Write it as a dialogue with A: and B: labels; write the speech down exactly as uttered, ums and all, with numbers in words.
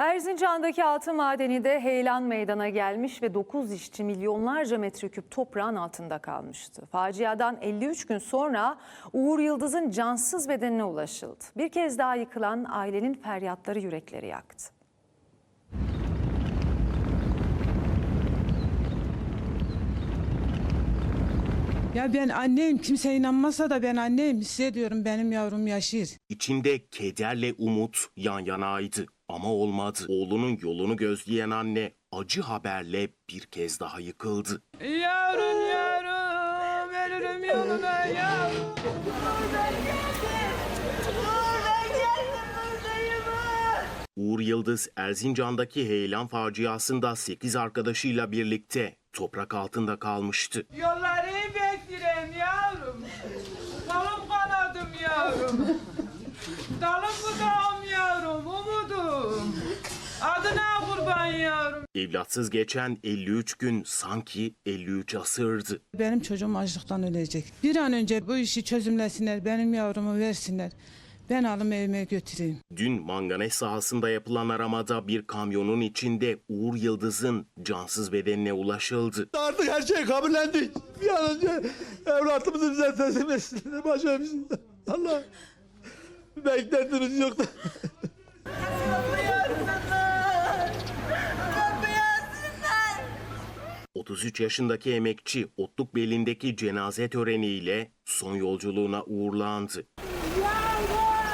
A: Erzincan'daki altın madeninde heyelan meydana gelmiş ve dokuz işçi milyonlarca metreküp toprağın altında kalmıştı. Faciadan elli üç gün sonra Uğur Yıldız'ın cansız bedenine ulaşıldı. Bir kez daha yıkılan ailenin feryatları yürekleri yaktı.
B: Ya ben anneyim, kimse inanmasa da ben anneyim, size diyorum benim yavrum yaşıyor.
C: İçinde kederle umut yan yanaydı ama olmadı. Oğlunun yolunu gözleyen anne acı haberle bir kez daha yıkıldı.
B: Yavrum yavrum, ölürüm yoluna yavrum.
C: Uğur Yıldız Erzincan'daki heyelan faciasında sekiz arkadaşıyla birlikte toprak altında kalmıştı.
B: Yolları beklerim yavrum. Dalım kanadım yavrum. Dalım budağım yavrum, umudum. Adına kurban yavrum.
C: Evlatsız geçen elli üç gün sanki elli üç asırdı.
B: Benim çocuğum açlıktan ölecek. Bir an önce bu işi çözümlesinler, benim yavrumu versinler. Ben alım evime götüreyim.
C: Dün manganes sahasında yapılan aramada bir kamyonun içinde Uğur Yıldız'ın cansız bedenine ulaşıldı.
D: Artık her şey kabullendik. Bir an önce evlatımızı bize teslim etsinler. Başka bir şey. Allah beklentimiz yoktu.
C: otuz üç yaşındaki emekçi Otluk belindeki cenaze töreniyle son yolculuğuna uğurlandı.
B: Yavrum!